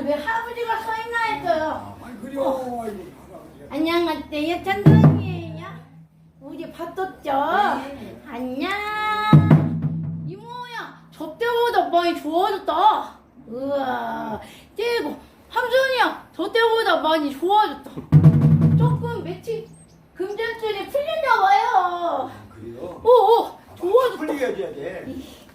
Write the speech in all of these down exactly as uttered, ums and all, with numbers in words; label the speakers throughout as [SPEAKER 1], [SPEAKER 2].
[SPEAKER 1] 왜 할아버지가 서 있나 했어요.
[SPEAKER 2] 아이 그래요.
[SPEAKER 1] 어.
[SPEAKER 2] 아이고 할아버지.
[SPEAKER 1] 안녕하세요, 천둥이에요. 우리 봤었죠?
[SPEAKER 3] 네.
[SPEAKER 1] 안녕. 이모야, 저 때보다 많이 좋아졌다. 우와. 그리고 함순이야, 저 때보다 많이 좋아졌다. 조금 며칠 금전줄이 풀렸나 봐요.
[SPEAKER 2] 그래요?
[SPEAKER 1] 오오, 좋아졌다.
[SPEAKER 2] 풀리게 해줘야 돼.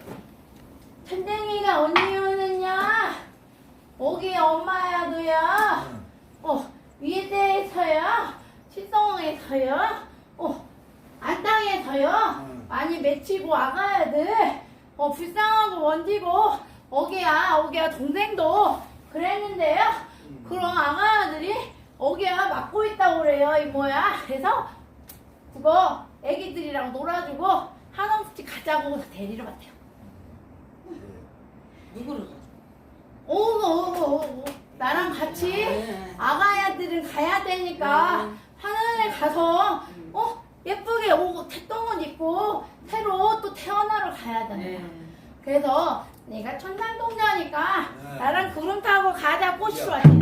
[SPEAKER 1] 천댕이가 언니 오느냐? 오기 엄마야도야.
[SPEAKER 2] 응.
[SPEAKER 1] 어, 위에서요, 실성에서요, 어, 안땅에서요,
[SPEAKER 2] 응.
[SPEAKER 1] 많이 맺히고 와가야 돼. 어, 불쌍하고 원지고, 어기야, 어기야 동생도 그랬는데요.
[SPEAKER 2] 응.
[SPEAKER 1] 그럼 아가야들이 어기야 맡고 있다고 그래요, 이모야. 그래서 그거 애기들이랑 놀아주고 한옥집 가자고 데리러 왔대요.
[SPEAKER 3] 누구를 가져?
[SPEAKER 1] 오고 오고 오고 나랑 같이
[SPEAKER 3] 네.
[SPEAKER 1] 아가야들은 가야 되니까
[SPEAKER 3] 네.
[SPEAKER 1] 하늘에 가서
[SPEAKER 3] 음.
[SPEAKER 1] 어 예쁘게 오고 태똥을 입고 새로 또 태어나러 가야 돼.
[SPEAKER 3] 네.
[SPEAKER 1] 그래서 내가 천상동자니까
[SPEAKER 2] 네.
[SPEAKER 1] 나랑 구름 타고 가자 꼬시러
[SPEAKER 2] 야.
[SPEAKER 1] 왔지.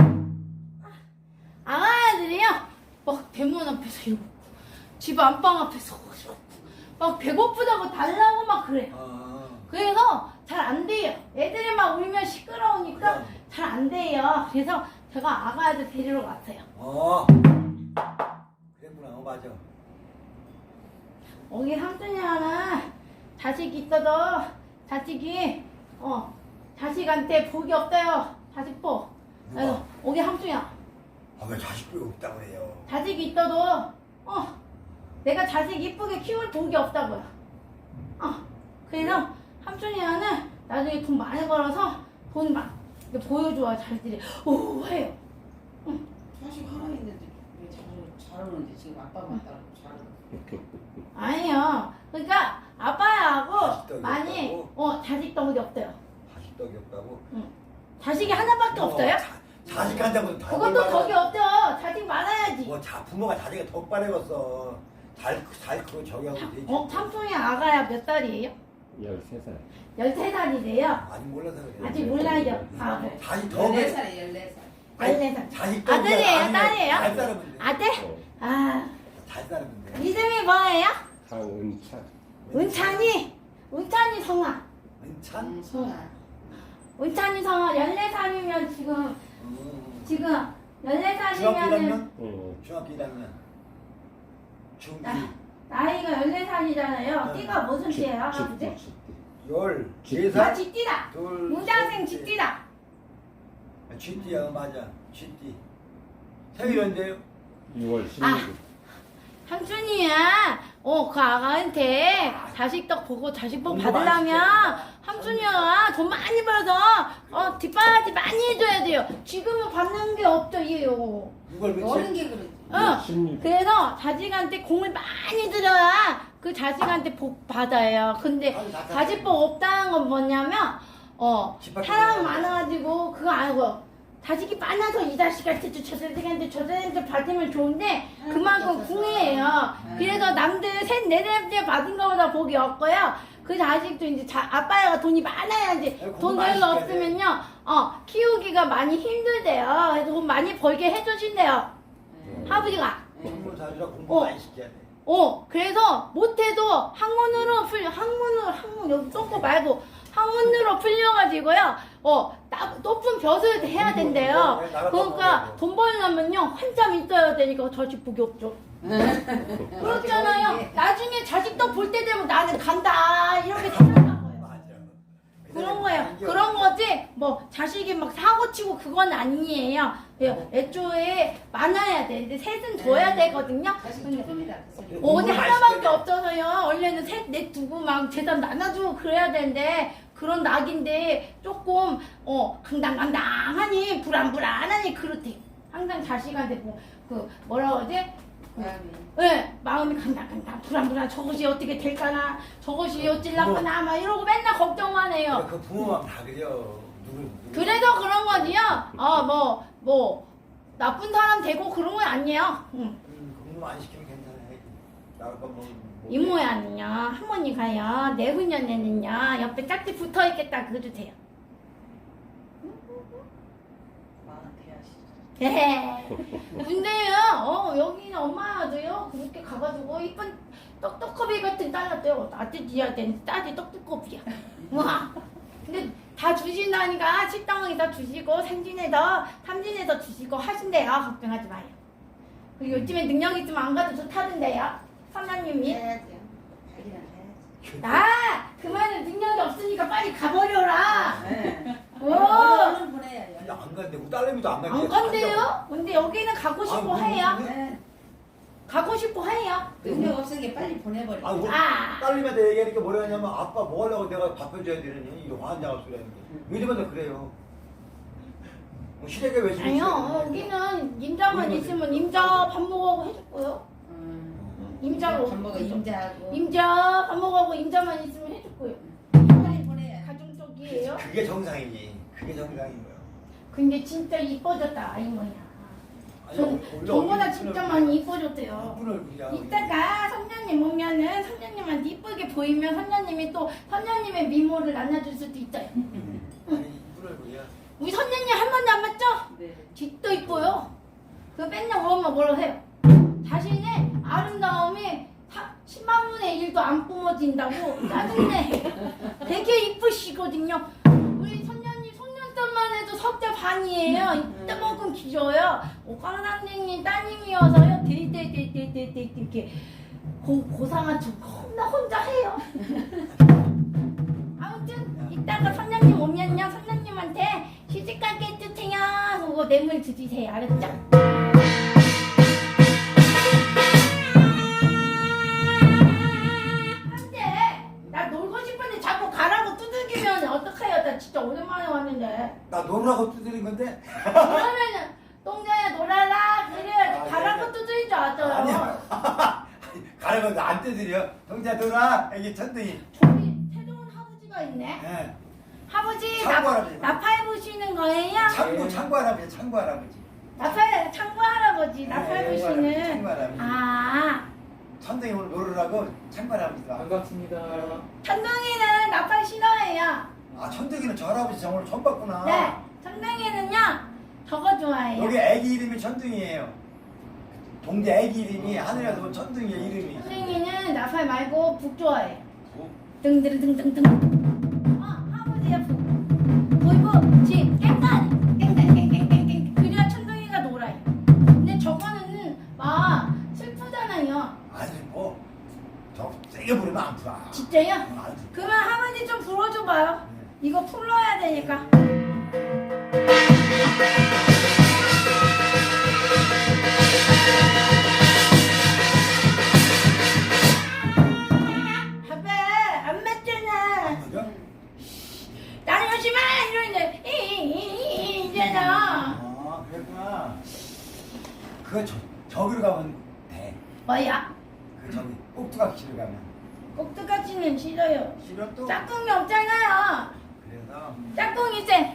[SPEAKER 1] 아가야들이요 막 대문 앞에서 이러고 집 안방 앞에서 이러고 막 배고프다고 달라고 막 그래.
[SPEAKER 2] 아.
[SPEAKER 1] 그래서 잘 안 돼요. 애들이 막 울면 시끄러우니까
[SPEAKER 2] 그럼.
[SPEAKER 1] 잘 안 돼요. 그래서 제가 아가야들 데리러 왔어요.
[SPEAKER 2] 어. 그랬구나. 어 맞아.
[SPEAKER 1] 여기 삼촌이는 자식 있어도 자식이 어 자식한테 복이 없어요. 자식 복.
[SPEAKER 2] 누가?
[SPEAKER 1] 그래서 여기 삼촌이야.
[SPEAKER 2] 아왜 자식도 없다고 그래요?
[SPEAKER 1] 자식이 있어도 어 내가 자식 이쁘게 키울 복이 없다고요. 어 그래서 삼촌이는 나중에 돈 많이 벌어서 돈 막 보여줘야 자식들이 오 해요. 응.
[SPEAKER 3] 자식 하나 있는데 왜 잘, 잘 오는데 지금 아빠만 따라고 잘하는
[SPEAKER 1] 아니요. 그러니까 아빠하고
[SPEAKER 2] 자식떡이
[SPEAKER 1] 많이
[SPEAKER 2] 없다고?
[SPEAKER 1] 어 자식 덕이 없대요.
[SPEAKER 2] 자식떡이 없다고?
[SPEAKER 1] 자식이 하나밖에 없어요?
[SPEAKER 2] 자, 자식한테보다 더
[SPEAKER 1] 그것도
[SPEAKER 2] 벌
[SPEAKER 1] 덕이
[SPEAKER 2] 받아.
[SPEAKER 1] 없죠. 자식 많아야지.
[SPEAKER 2] 뭐 자, 부모가 자식이 덕 받아겠어. 잘, 잘 크고 저기 하고 되지.
[SPEAKER 1] 어 삼촌이 아가야 몇 살이에요?
[SPEAKER 4] 열세 살.
[SPEAKER 1] 열세 살이래요.
[SPEAKER 2] 아직 몰라서 그래.
[SPEAKER 1] 아직 몰라요. 아, 그래.
[SPEAKER 2] 자식 더
[SPEAKER 3] 열네
[SPEAKER 2] 그래.
[SPEAKER 3] 살에 열네 살.
[SPEAKER 1] 열네 살.
[SPEAKER 2] 자식 더
[SPEAKER 1] 아들이에요,
[SPEAKER 2] 그래.
[SPEAKER 1] 딸이에요?
[SPEAKER 2] 잘 살면 돼.
[SPEAKER 1] 아들?
[SPEAKER 4] 어,
[SPEAKER 1] 아
[SPEAKER 2] 잘 살면 돼.
[SPEAKER 1] 이름이 뭐예요?
[SPEAKER 4] 강은찬.
[SPEAKER 1] 은찬이. 은찬이 성아.
[SPEAKER 2] 은찬?
[SPEAKER 3] 음, 성아.
[SPEAKER 1] 은찬이 성아 열네 살이면 지금
[SPEAKER 2] 음.
[SPEAKER 1] 지금 열네
[SPEAKER 2] 중학교 일
[SPEAKER 1] 살이면은
[SPEAKER 2] 학년?
[SPEAKER 4] 어,
[SPEAKER 2] 중학교 일 학년. 중이.
[SPEAKER 1] 나, 나이가 열네 살이잖아요.
[SPEAKER 2] 네.
[SPEAKER 1] 띠가 무슨
[SPEAKER 4] 쥐,
[SPEAKER 1] 띠예요,
[SPEAKER 4] 쥐,
[SPEAKER 1] 아버지?
[SPEAKER 4] 쥐.
[SPEAKER 2] 열.
[SPEAKER 4] 쥐.
[SPEAKER 2] 네
[SPEAKER 1] 아,
[SPEAKER 2] 살?
[SPEAKER 1] 쥐띠다.
[SPEAKER 2] 둘.
[SPEAKER 1] 문장생
[SPEAKER 2] 셋,
[SPEAKER 1] 쥐띠다.
[SPEAKER 2] 넷. 쥐띠야, 맞아. 쥐띠. 생일인데요?
[SPEAKER 4] 유월
[SPEAKER 1] 아.
[SPEAKER 4] 십육 일.
[SPEAKER 1] 삼촌이야. 어, 그 아가한테 자식떡 보고 자식복
[SPEAKER 2] 공부
[SPEAKER 1] 받으려면
[SPEAKER 2] 많이
[SPEAKER 1] 삼촌이야 돈 많이 벌어서 어 뒷바라지 많이 해줘야 돼요. 지금은 받는 게 없죠, 얘요.
[SPEAKER 2] 이걸
[SPEAKER 3] 어린
[SPEAKER 2] 며칠?
[SPEAKER 3] 게 그러지.
[SPEAKER 1] 어.
[SPEAKER 4] 십육 일.
[SPEAKER 1] 그래서 자식한테 공을 많이 들여야 그 자식한테 복 받아요. 근데
[SPEAKER 2] 아니, 나-
[SPEAKER 1] 자식복 없다는 건 뭐냐면 어
[SPEAKER 2] 집 밖에
[SPEAKER 1] 사람
[SPEAKER 2] 나가야
[SPEAKER 1] 많아가지고 그거 아니고 자식이 많아서 이 자식한테 저 자식한테 저 자식한테 받으면 좋은데 그만큼 궁해요. 그래서 남들 셋, 넷, 넷째 받은 거보다 복이 없고요. 그 자식도 이제 자, 아빠가 돈이 많아야지.
[SPEAKER 2] 공부
[SPEAKER 1] 돈
[SPEAKER 2] 많이
[SPEAKER 1] 별로
[SPEAKER 2] 시켜야 돼.
[SPEAKER 1] 없으면요, 어 키우기가 많이 힘들대요. 그래서 돈 많이 벌게 해주신대요. 아버지가.
[SPEAKER 2] 공부 잘해라. 공부
[SPEAKER 1] 어.
[SPEAKER 2] 많이 시켜야 돼.
[SPEAKER 1] 어, 그래서 못해도 학문으로 풀려, 학문으로, 학문, 여기 똥꼬 말고, 학문으로 풀려가지고요, 어, 나, 높은 벼슬 해야 된대요. 그러니까 돈 벌려면요, 한참 있어야 되니까 자식복이 없죠. 그렇잖아요. 나중에 자식도 볼 때 되면 나는 간다. 이렇게 생각한 거예요.
[SPEAKER 2] 맞아.
[SPEAKER 1] 그런 거예요. 그런 거지, 뭐, 자식이 막 사고 치고 그건 아니에요. 예, 애초에 많아야 돼. 근데 셋은 둬야 되거든요.
[SPEAKER 3] 자식
[SPEAKER 1] 근데
[SPEAKER 3] 조금이다.
[SPEAKER 1] 어, 언니 하나밖에 없어서요. 원래는 셋, 넷 두고 막 재산 나눠주고 그래야 되는데 그런 낙인데 조금 어 강당강당하니 불안불안하니 그렇대요. 항상 자식한테 뭐 그 뭐라 그러지?
[SPEAKER 3] 마음이.
[SPEAKER 1] 네, 마음이 강당강당 불안불안 저것이 어떻게 될까나 저것이 어찔라거나 막 이러고 맨날 걱정만 해요.
[SPEAKER 2] 그 부모만 다 그래요. 누구, 누구.
[SPEAKER 1] 그래서 그런 거지요. 어 뭐 뭐 나쁜 사람 되고 그런 건 아니에요. 응.
[SPEAKER 2] 음, 공부 많이 시키면 괜찮아. 나올 건 뭐. 뭐
[SPEAKER 1] 이모야는요 할머니가요 내후년에는요 옆에 짝지 붙어있겠다 그러세요. 예. 근데요, 어, 여기는 엄마도요, 그렇게 가가지고, 이쁜 떡떡커비 같은 딸한테요, 아들지한테는 딸이 떡떡커비야. 와. 근데 다 주신다니까, 식당에다 주시고, 생진에서, 탐진에서 주시고 하신대요. 걱정하지 마요. 그리고 요즘에 능력 있으면 안 가도 좋다던데요. 선생님이.
[SPEAKER 3] 해야지. 자기는 해야지.
[SPEAKER 1] 아, 그만은 능력이 없으니까 빨리 가버려라.
[SPEAKER 3] 네.
[SPEAKER 1] 오.
[SPEAKER 3] 얼른 보내야 돼.
[SPEAKER 2] 안 간대. 우리 딸내미도 안 간대.
[SPEAKER 1] 안 간대요? 근데 여기는 가고 싶고
[SPEAKER 2] 아,
[SPEAKER 1] 해요.
[SPEAKER 2] 무슨
[SPEAKER 3] 네.
[SPEAKER 1] 가고 싶고 해요.
[SPEAKER 3] 능력 없으니까 빨리 보내버려.
[SPEAKER 2] 아, 우리
[SPEAKER 1] 아.
[SPEAKER 2] 딸내미한테 얘기하니까 뭐라 하냐면 아빠 뭐 하려고 내가 밥 해줘야 되느니 이런 환장할 소리 하는 거. 요즘에도 그래요. 뭐 시댁에 왜
[SPEAKER 1] 아니요, 어, 여기는 임자만 있으면 임자 밥 먹으라고 해줄 거요.
[SPEAKER 3] 음.
[SPEAKER 1] 임자로.
[SPEAKER 3] 밥 먹어 임자하고.
[SPEAKER 1] 임자 밥 먹으라고 임자만 있으면 해줄 거요.
[SPEAKER 3] 빨리 보내야 돼.
[SPEAKER 1] 가정적이에요.
[SPEAKER 2] 그게 정상이지. 그게 정상인 거야.
[SPEAKER 1] 근데 진짜 이뻐졌다, 아이 뭐야.
[SPEAKER 2] 아니,
[SPEAKER 1] 전,
[SPEAKER 2] 원래
[SPEAKER 1] 저보다
[SPEAKER 2] 얼굴이
[SPEAKER 1] 진짜
[SPEAKER 2] 이쁜
[SPEAKER 1] 많이 이뻐졌대요.
[SPEAKER 2] 이쁜 얼굴이야.
[SPEAKER 1] 이따가 선녀님 오면은 선녀님한테 이쁘게 보이면 선녀님이 또 선녀님의 미모를 나눠줄 수도 있어요.
[SPEAKER 2] 아니 이쁜 얼굴이야.
[SPEAKER 1] 우리 선녀님 한 번도 안 봤죠?
[SPEAKER 3] 네.
[SPEAKER 1] 뒷도 이뻐요. 그 맨날 엄마 뭐라 해요? 자신의 아름다움이 십만 분의 일도 안 뿜어진다고 짜증내. 되게 이쁘시거든요. 우리 선녀님 속눈썹만 해도 석자 반이에요. 이따만큼 길어요. 오강 선생님 따님이어서요. 데데데데데데 이렇게 고, 고상한 척 혼자 혼자 해요. 아무튼 이따가 선녀님 오면요. 선녀님한테 시집가게 해주세요. 그거 뇌물 주세요. 알았죠? 나 놀고 싶은데 자꾸 가라고 두들기면 어떡해요? 나 진짜 오랜만에 왔는데.
[SPEAKER 2] 나 놀라고 두드린 건데.
[SPEAKER 1] 그러면은 똥자야 놀아라 그래야지.
[SPEAKER 2] 아,
[SPEAKER 1] 가라고
[SPEAKER 2] 네.
[SPEAKER 1] 두드린 줄 알았어요.
[SPEAKER 2] 아니야. 가라고 나안 두드려. 동자 놀아. 이게 천둥이.
[SPEAKER 1] 저기 새로운 하부지가 있네.
[SPEAKER 2] 예.
[SPEAKER 1] 하부지
[SPEAKER 2] 창고
[SPEAKER 1] 나,
[SPEAKER 2] 할아버지.
[SPEAKER 1] 나팔 부시는 거예요?
[SPEAKER 2] 창고 창고 할아버지. 창고 할아버지.
[SPEAKER 1] 나팔 창고 할아버지 나팔
[SPEAKER 2] 네,
[SPEAKER 1] 부시는.
[SPEAKER 2] 창고 할아버지.
[SPEAKER 1] 아
[SPEAKER 2] 천둥이 오늘 놀으라고 창고 할아버지가.
[SPEAKER 4] 반갑습니다.
[SPEAKER 1] 천둥이는 나팔 싫어해요.
[SPEAKER 2] 아 천둥이는 저 할아버지 저 오늘 처음 봤구나.
[SPEAKER 1] 네, 천둥이는요 저거 좋아해요.
[SPEAKER 2] 여기 애기 이름이 천둥이에요. 동대 애기 이름이 하늘에서 온 천둥이의 이름이.
[SPEAKER 1] 천둥이는 나팔 말고 북 좋아해요.
[SPEAKER 2] 뭐?
[SPEAKER 1] 등등등등등. 어, 하부지야 북. 보이고 지 깽가리 깽깽깽깽깽. 그래야 천둥이가 놀아요. 근데 저거는 막 슬프잖아요.
[SPEAKER 2] 아니 뭐저 세게 부르면 안 풀어.
[SPEAKER 1] 진짜요?
[SPEAKER 2] 안 풀어.
[SPEAKER 1] 그러면 하부지 좀 불어줘봐요. 이거 풀러야 되니까. 아빠 안 맞잖아.
[SPEAKER 2] 맞아?
[SPEAKER 1] 나는 오지 마 이러는데 이이이 이잖아.
[SPEAKER 2] 아 그랬구나. 그거 저 저기로 가면 돼.
[SPEAKER 1] 뭐야?
[SPEAKER 2] 그 저기 꼭두각시를 가면.
[SPEAKER 1] 꼭두각시는 싫어요.
[SPEAKER 2] 싫어 또.
[SPEAKER 1] 짝꿍이 없잖아요.
[SPEAKER 2] 그래서
[SPEAKER 1] 짝꿍이 이제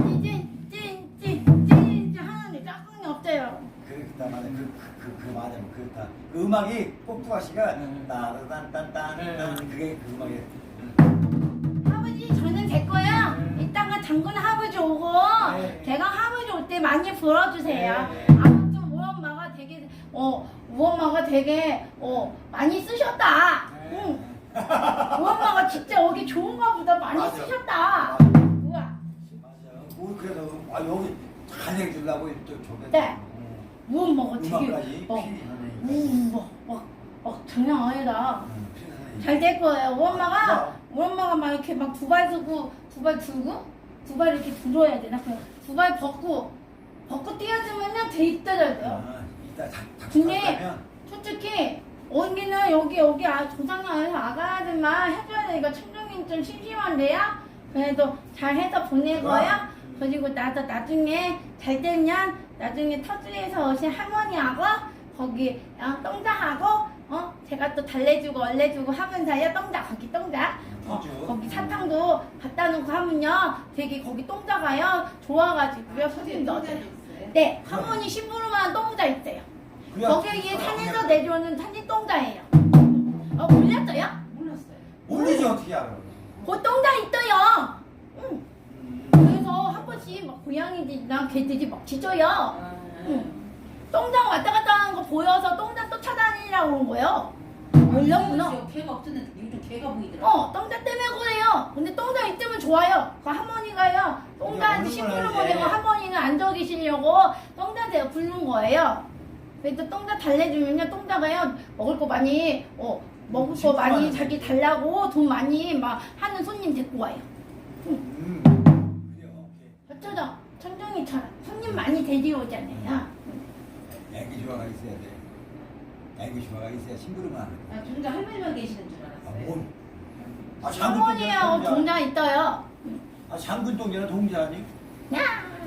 [SPEAKER 1] 찐찐찐찐찐찐 하는데 짝꿍이 없어요.
[SPEAKER 2] 그렇다 말이야. 그그 그 맞아. 그렇다. 그 음악이 꼭두각시가
[SPEAKER 4] 네.
[SPEAKER 2] 따르단딴딴
[SPEAKER 4] 네.
[SPEAKER 2] 그게 그 음악이야.
[SPEAKER 1] 아버지 저는 됐고요. 이따가 장군 아버지 오고
[SPEAKER 4] 네.
[SPEAKER 1] 제가 아버지 올 때 많이 불어주세요.
[SPEAKER 4] 네.
[SPEAKER 1] 아무튼 우리 엄마가 되게 어 우리 엄마가 되게 어 많이 쓰셨다.
[SPEAKER 4] 네.
[SPEAKER 1] 응. 우리 엄마가 진짜 여기 좋은가 보다 많이
[SPEAKER 2] 맞아.
[SPEAKER 1] 쓰셨다.
[SPEAKER 2] 맞아.
[SPEAKER 1] 우와.
[SPEAKER 2] 맞아. 우리 그래서 아 여기 잘 해주려고 또 저기.
[SPEAKER 1] 네. 우리 엄마가 되게
[SPEAKER 2] 음악까지
[SPEAKER 1] 어,
[SPEAKER 2] 필히 하네.
[SPEAKER 1] 음, 뭐, 막, 막 장난 아니다.
[SPEAKER 2] 응, 필히 하네.
[SPEAKER 1] 잘 될 거예요. 우리 엄마가
[SPEAKER 2] 야.
[SPEAKER 1] 우리 엄마가 막 이렇게 막 두 발 두고 두 발 들고 두 발 이렇게 들어야 되나? 두 발 벗고 벗고 뛰어주면은 돼 있더라고요.
[SPEAKER 2] 아, 이따 작
[SPEAKER 1] 근데
[SPEAKER 2] 작곡하면
[SPEAKER 1] 솔직히 언니는 여기 여기 아, 조상님에서 아가들만 해줘야 되니까 천둥이 좀 심심한데요. 그래도 잘 해서 보내고요. 그리고 나도 나중에 잘 되면 나중에 터주에서 오신 할머니하고 거기 어, 똥자하고 어 제가 또 달래주고 얼래주고 하면서요. 똥자 거기 똥자 어,
[SPEAKER 2] 터주.
[SPEAKER 1] 거기 사탕도 갖다 놓고 하면요 되게 거기 똥자가요 좋아가지고요 손님도 얻어요. 네 할머니 심부름한 똥자 있어요.
[SPEAKER 2] 그래야
[SPEAKER 1] 거기에
[SPEAKER 2] 사람이
[SPEAKER 1] 산에서 내려오는 산이 똥자예요. 어 몰랐어요?
[SPEAKER 3] 몰랐어요.
[SPEAKER 2] 모르지 어떻게 알아?
[SPEAKER 1] 그 똥자 있어요. 응.
[SPEAKER 2] 음.
[SPEAKER 1] 그래서 한번 가끔씩 막 고양이들이랑 개들이 막 짖어요.
[SPEAKER 3] 아,
[SPEAKER 1] 응. 똥장 왔다 갔다 하는 거 보여서 똥장 쫓아다니라고 온 거예요. 몰랐구나.
[SPEAKER 3] 요즘 개가 없었는데 요즘 개가 보이더라.
[SPEAKER 1] 어, 똥장 때문에 그래요. 근데 똥장 있으면 좋아요. 그 할머니가요. 똥장한테 심부름 보내고 할머니는 앉아 계시려고 똥장한테 부른 거예요. 그래서 똥장 달래주면요. 똥장가요. 먹을 거 많이, 어, 먹을 거 많이 자기 달라고 돈 많이 막 하는 손님 데리고 와요.
[SPEAKER 2] 음. 그래요.
[SPEAKER 1] 어쩌죠? 천정이처럼 손님 많이 데려오잖아요.
[SPEAKER 2] 애기 조화가 있어야 돼. 애기 조화가 있어야 심부름을 하는 거야.
[SPEAKER 3] 아, 진짜 할머니만 계시는 줄
[SPEAKER 2] 아,
[SPEAKER 3] 알았어요.
[SPEAKER 2] 뭔? 아, 장군
[SPEAKER 1] 할머니하고
[SPEAKER 2] 동자.
[SPEAKER 1] 동장 있어요.
[SPEAKER 2] 아, 장군 동자나 동자 아니?
[SPEAKER 1] 야!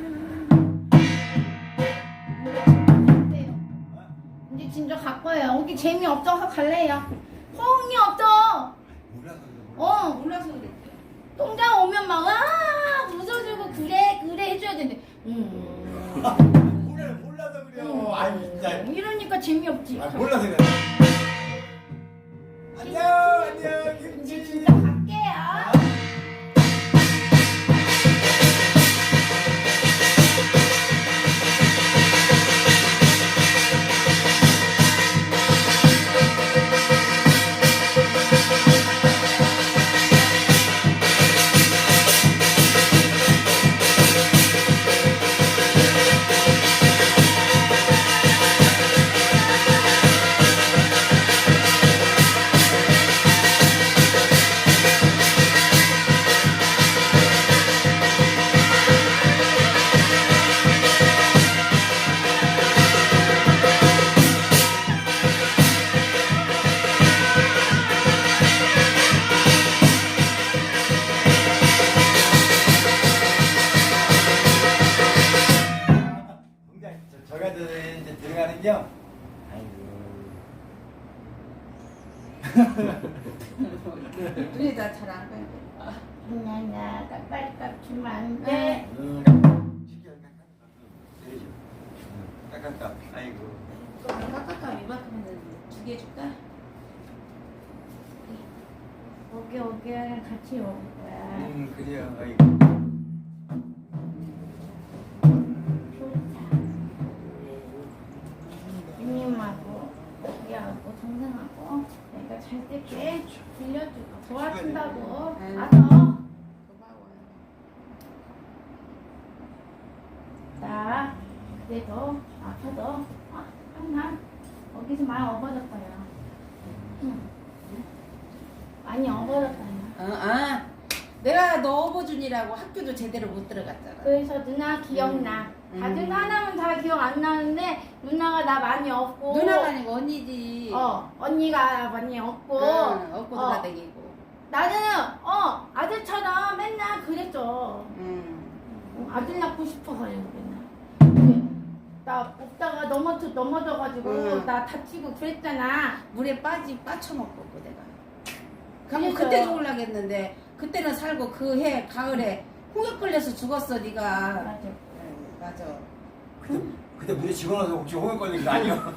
[SPEAKER 1] 이제 진짜 갈 거예요. 여기 재미없어서 갈래요. 호응이 없어.
[SPEAKER 2] 몰라서 그래.
[SPEAKER 1] 어,
[SPEAKER 3] 몰라서 그랬대.
[SPEAKER 1] 똥장 오면 막, 아, 웃어주고, 그래, 그래 해줘야 되는데. 음.
[SPEAKER 2] 몰라, 몰라서 그래요. 아이 진짜.
[SPEAKER 1] 이러니까 재미없지.
[SPEAKER 2] 아, 몰라서 그래. 안녕, 안녕,
[SPEAKER 1] 이제
[SPEAKER 2] 김치.
[SPEAKER 1] 진짜 갈게요.
[SPEAKER 2] 동자, 저, 저가 이제 들어가는요. 아이고.
[SPEAKER 3] 눈이 다 잘 안 보여.
[SPEAKER 1] 나나 깍깍깍 주면 안 돼.
[SPEAKER 2] 음. 시켜, 깍깍깍. 그러죠. 음, 깍깍깍. 아이고.
[SPEAKER 3] 깍깍깍 이만큼은 두 개 줄까?
[SPEAKER 1] 오게 오게 같이 먹을 거야.
[SPEAKER 2] 음, 그래요. 아이고.
[SPEAKER 1] 좋다. 누님하고 우리하고 동생하고 내가 잘 때게 빌려주고 도와준다고.
[SPEAKER 3] 응.
[SPEAKER 1] 알아.
[SPEAKER 3] 고마워요.
[SPEAKER 1] 나 그래도 아파도 아, 난 거기서 많이 업어졌어요. 응. 많이 업어졌어요.
[SPEAKER 3] 어, 아, 내가 너 어버준이라고 학교도 제대로 못 들어갔잖아.
[SPEAKER 1] 그래서 누나 기억나.
[SPEAKER 3] 음.
[SPEAKER 1] 다들 하나는 다 기억 안 나는데 누나가 나 많이 업고.
[SPEAKER 3] 누나가 아니고 언니지.
[SPEAKER 1] 어 언니가 많이 업고.
[SPEAKER 3] 응, 업고
[SPEAKER 1] 어.
[SPEAKER 3] 돌아다니고.
[SPEAKER 1] 나는 어 아들처럼 맨날 그랬죠.
[SPEAKER 3] 응.
[SPEAKER 1] 어, 아들 낳고 싶어서요 맨날. 근데 나 없다가 넘어져 넘어져가지고
[SPEAKER 3] 응.
[SPEAKER 1] 나 다치고 그랬잖아.
[SPEAKER 3] 물에 빠지 빠쳐먹고 내가. 그럼
[SPEAKER 1] 그래서-
[SPEAKER 3] 그때 죽으려겠는데 그때는 살고 그 해 가을에 홍역 걸려서 죽었어 네가.
[SPEAKER 1] 맞아.
[SPEAKER 3] 응, 맞아.
[SPEAKER 2] 그때, 그때 물에 집어넣어서 혹시 홍역 걸린 거 아니야?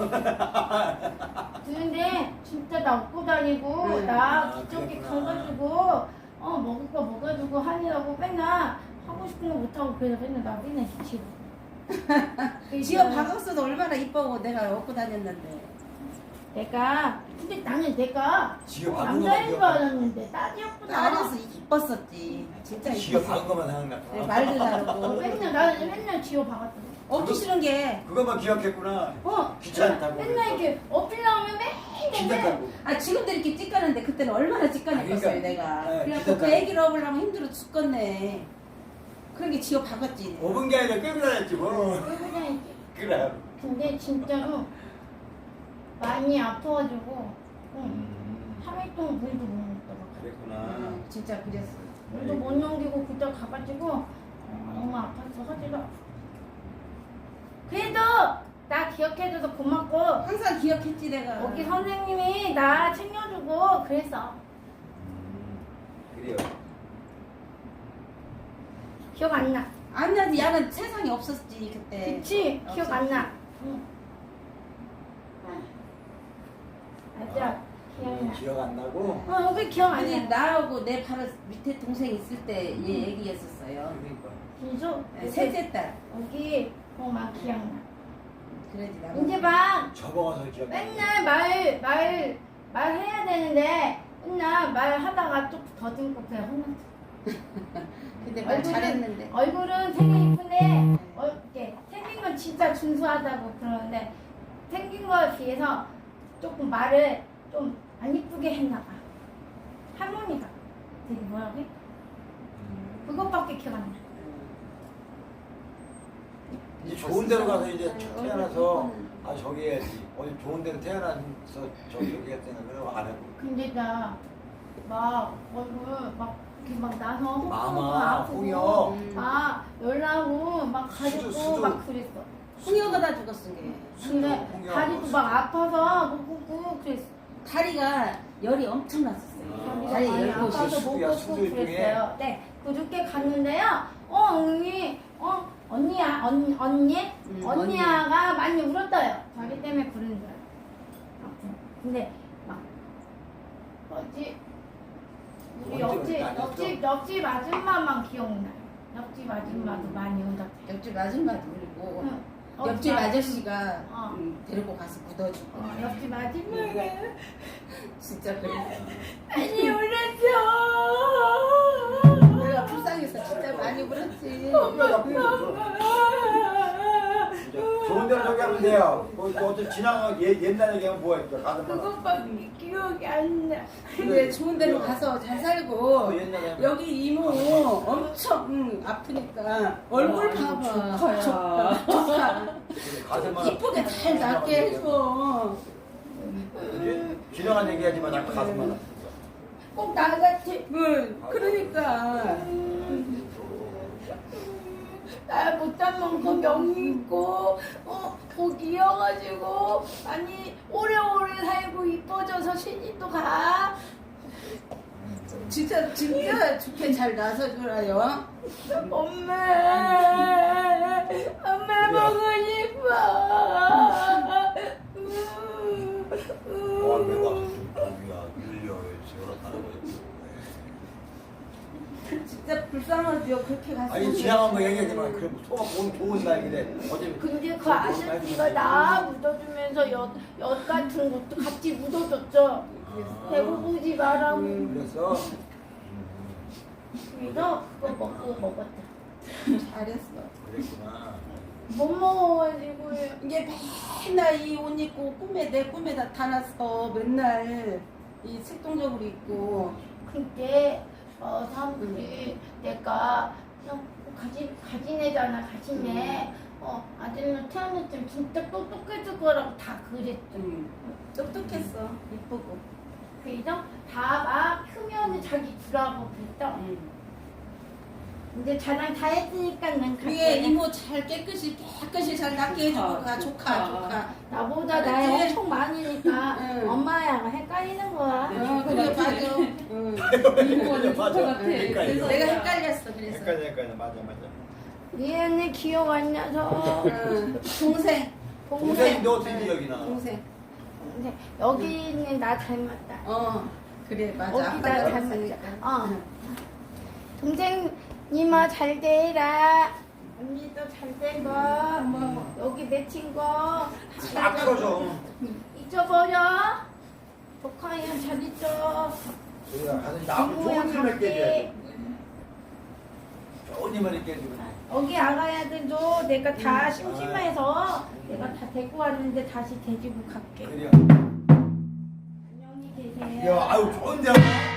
[SPEAKER 1] 근데 진짜 나 업고 다니고
[SPEAKER 3] 응.
[SPEAKER 1] 나
[SPEAKER 2] 아,
[SPEAKER 1] 기저귀
[SPEAKER 2] 그랬구나.
[SPEAKER 1] 가가지고 어 먹을 거 먹어주고 하느라고 맨날 하고 싶은 거 못하고 그래서 맨날 나 맨날 지치고.
[SPEAKER 3] 지어 박았어도 얼마나 이뻐고 내가 업고 다녔는데.
[SPEAKER 1] 내가 근데 나는 내가
[SPEAKER 2] 지어 박은 거만
[SPEAKER 1] 남자인 줄
[SPEAKER 2] 기억나.
[SPEAKER 1] 알았는데 딸이었구나.
[SPEAKER 3] 딸이어서 이뻤었지. 진짜
[SPEAKER 2] 지어
[SPEAKER 3] 이뻤어.
[SPEAKER 2] 박은 것만 생각나.
[SPEAKER 3] 네, 말도
[SPEAKER 1] 어,
[SPEAKER 3] 잘하고.
[SPEAKER 1] 맨날 나는 맨날 지호 박았거든.
[SPEAKER 3] 업기 싫은 게.
[SPEAKER 2] 그것만 기억했구나.
[SPEAKER 1] 어
[SPEAKER 2] 귀찮다고.
[SPEAKER 1] 맨날 이렇게 어필나오면
[SPEAKER 2] 진짜
[SPEAKER 1] 맨날
[SPEAKER 2] 깔고.
[SPEAKER 3] 아 지금도 이렇게 찌까는데 그때는 얼마나 찌까니었어요
[SPEAKER 2] 아, 그러니까.
[SPEAKER 3] 내가.
[SPEAKER 2] 네,
[SPEAKER 3] 그래갖고
[SPEAKER 2] 기대다.
[SPEAKER 3] 그 애기를 업으려면 힘들어 죽겠네. 그러게 지어 박았지.
[SPEAKER 2] 오분 게 아니라 끌고 다녔지 뭐.
[SPEAKER 1] 그냥
[SPEAKER 2] 그래.
[SPEAKER 1] 근데 진짜로 많이 아파가지고 응.
[SPEAKER 2] 음,
[SPEAKER 1] 하루 동안 물도 못 먹더라고.
[SPEAKER 2] 그랬구나.
[SPEAKER 3] 응, 진짜 그랬어.
[SPEAKER 1] 물도 못 넘기고 그때 가가지고 어, 너무 아파서 하지도 않고. 그래도 나 기억해줘서 고맙고
[SPEAKER 3] 항상 기억했지 내가.
[SPEAKER 1] 여기 선생님이 나 챙겨주고 그랬어.
[SPEAKER 2] 음, 그래요.
[SPEAKER 1] 기억 안 나.
[SPEAKER 3] 안 나지. 야는 세상에 없었지 그때.
[SPEAKER 1] 그치? 기억
[SPEAKER 3] 없었지.
[SPEAKER 1] 안 나. 응. 맞아.
[SPEAKER 2] 아,
[SPEAKER 1] 기억나.
[SPEAKER 2] 기억 안 나고.
[SPEAKER 1] 어, 여기 기억 안
[SPEAKER 3] 아니
[SPEAKER 1] 나.
[SPEAKER 3] 나하고 내 바로 밑에 동생 있을 때 얘 얘기했었어요.
[SPEAKER 2] 그러니까.
[SPEAKER 1] 진수?
[SPEAKER 3] 네, 셋째 딸.
[SPEAKER 1] 여기 어막 기억나.
[SPEAKER 3] 그래야지 나.
[SPEAKER 1] 이제 막
[SPEAKER 2] 적어서 기억.
[SPEAKER 1] 맨날 말 말 말해야 되는데 맨날 말하다가 좀 더듬고 그냥 혼났어.
[SPEAKER 3] 근데 말
[SPEAKER 1] 얼굴은-
[SPEAKER 3] 잘했는데.
[SPEAKER 1] 얼굴은 되게 이쁜데 어, 이렇게 생긴 건 진짜 준수하다고 그러는데 생긴 거에 비해서 조금 말을 좀 안 이쁘게 했나 봐. 할머니가 되게 뭐라고 해? 그것밖에 기억 안 나.
[SPEAKER 2] 이제 좋은 데로 가서 이제 태어나서 아 저기 해야지. 어디 좋은 데로 태어나서 저기 여기 했다는 그러고 안 하고.
[SPEAKER 1] 근데 나 막 얼굴 막 이렇게 막 나서 홍콩
[SPEAKER 2] 마마,
[SPEAKER 1] 아프고
[SPEAKER 2] 홍여.
[SPEAKER 3] 음.
[SPEAKER 1] 막 열나고 막
[SPEAKER 2] 수두,
[SPEAKER 1] 가지고
[SPEAKER 2] 수두.
[SPEAKER 1] 막 그랬어.
[SPEAKER 3] 홍여가 다 죽었어. 걔.
[SPEAKER 1] 근데
[SPEAKER 2] 홍여.
[SPEAKER 1] 다리도 막 아파서 못 걷고 그랬어.
[SPEAKER 3] 다리가 열이 엄청 났었어요.
[SPEAKER 2] 아.
[SPEAKER 3] 다리
[SPEAKER 1] 많이
[SPEAKER 3] 열
[SPEAKER 1] 아파서
[SPEAKER 3] 곳이.
[SPEAKER 1] 못
[SPEAKER 2] 수두야,
[SPEAKER 1] 걷고
[SPEAKER 2] 수두 일종의.
[SPEAKER 1] 그랬어요. 네, 그저께 갔는데요. 어 언니, 어 언니야, 언 언니,
[SPEAKER 3] 음,
[SPEAKER 1] 언니야가 많이 울었어요. 다리 때문에 그런 줄 알아. 아픈. 근데 막 뭐지? 우리
[SPEAKER 2] 언제
[SPEAKER 1] 옆집
[SPEAKER 2] 그렇게 안
[SPEAKER 1] 옆집 옆집 아줌마만 기억나. 옆집 아줌마도
[SPEAKER 3] 음.
[SPEAKER 1] 많이 울었대.
[SPEAKER 3] 옆집 아줌마도 울고
[SPEAKER 1] 응.
[SPEAKER 3] 옆집
[SPEAKER 1] 아-
[SPEAKER 3] 아저씨가
[SPEAKER 1] 어.
[SPEAKER 3] 음, 데리고 가서 묻어주고.
[SPEAKER 1] 어, 옆집 아줌마가
[SPEAKER 3] 진짜 그래.
[SPEAKER 1] 많이 울었죠.
[SPEAKER 3] 내가 불쌍해서 진짜 많이 울었지.
[SPEAKER 2] 이제 좋은 데로 저기 하면 돼요. 뭐 어떤 지나가 옛 옛날 얘기하면 뭐야 이거 가슴 하나.
[SPEAKER 1] 그것밖에 기억이 안 나.
[SPEAKER 3] 근데 좋은 데로 가서 잘 살고
[SPEAKER 2] 어, 옛날에
[SPEAKER 3] 여기 이모 엄청 음, 아프니까 얼굴 봐봐. 조카. 조카.
[SPEAKER 2] 가슴만
[SPEAKER 3] 이쁘게 잘 낫게 해줘.
[SPEAKER 2] 이제 지나간 얘기하지만 자꾸 가슴만 아프고.
[SPEAKER 1] 꼭 나같이
[SPEAKER 3] 응, 그러니까.
[SPEAKER 1] 나 못한 만큼 명이 있고 어 복이어가지고 아니 오래오래 살고 이뻐져서 신이 또 가.
[SPEAKER 3] 진짜 진짜 좋게 잘 나서 줘라요.
[SPEAKER 1] 엄마 엄마 보고 싶어.
[SPEAKER 2] 와 내가 여기야 밀려요 지어라하는 거지.
[SPEAKER 3] 진짜 불쌍하죠. 그렇게 갔으면.
[SPEAKER 2] 아니 지나간 거 얘기하지만 그래 소가 좋은 좋은 날이래. 어제
[SPEAKER 1] 근데 그 아저씨가 나 묻어주면서 엿, 엿 같은 것도 같이 묻어줬죠. 배고프지 말라고.
[SPEAKER 2] 그래서
[SPEAKER 1] 그래서 그거 먹고 먹었다.
[SPEAKER 3] 잘했어.
[SPEAKER 2] 그랬구나.
[SPEAKER 1] 못 먹어가지고
[SPEAKER 3] 이게 맨날 이 옷 입고 꿈에 내 꿈에다 다 났어. 맨날 이 색동적으로 입고.
[SPEAKER 1] 그때 어, 사람들이 내가 그냥 가진 가진 애잖아 가진 애. 어 아들로 태어날 때 진짜 똑똑했을 거라고 다 그랬죠.
[SPEAKER 3] 음, 똑똑했어. 이쁘고.
[SPEAKER 1] 그래서 다 막 크면은 자기 주라고 그랬죠.
[SPEAKER 3] 음.
[SPEAKER 1] 이제 자랑 다 했으니까 난
[SPEAKER 3] 위에
[SPEAKER 1] 갈게.
[SPEAKER 3] 이모 잘 깨끗이 깨끗이 잘 낫게 해주고 가. 조카 조카.
[SPEAKER 1] 나보다 나이
[SPEAKER 3] 알았지?
[SPEAKER 1] 엄청 많으니까
[SPEAKER 3] 응.
[SPEAKER 1] 엄마랑 헷갈리는 거야.
[SPEAKER 3] 어, 그래 맞아. 응.
[SPEAKER 2] 이모가 조카 같아.
[SPEAKER 3] 그래서 내가 헷갈렸어. 그래서.
[SPEAKER 2] 헷갈려 헷갈려 맞아 맞아.
[SPEAKER 1] 얘네 기억 안 나서.
[SPEAKER 3] 응. 동생.
[SPEAKER 2] 동생인데 어떻게 기억이 나?
[SPEAKER 3] 동생.
[SPEAKER 1] 근데 여기는 나 닮았다.
[SPEAKER 3] 어. 그래 맞아.
[SPEAKER 1] 여기
[SPEAKER 3] 아빠
[SPEAKER 1] 나
[SPEAKER 3] 닮았으니까.
[SPEAKER 1] 닮았다. 어. 동생님아 잘 되라. 언니도 잘 되고. 뭐 여기 내 친구.
[SPEAKER 2] 딱 풀어줘.
[SPEAKER 1] 잊어버려. 조카야 잘 있어.
[SPEAKER 2] 우리가 가서 나무 좋은 힘을 깨줘야 좋은 힘을 깨주고.
[SPEAKER 1] 여기 아가야들도 내가 다
[SPEAKER 2] 음.
[SPEAKER 1] 심심해서 내가 다 데리고 왔는데 다시 데리고 갈게.
[SPEAKER 2] 그래요.
[SPEAKER 1] 안녕히 계세요.
[SPEAKER 2] 야 아유 좋은데.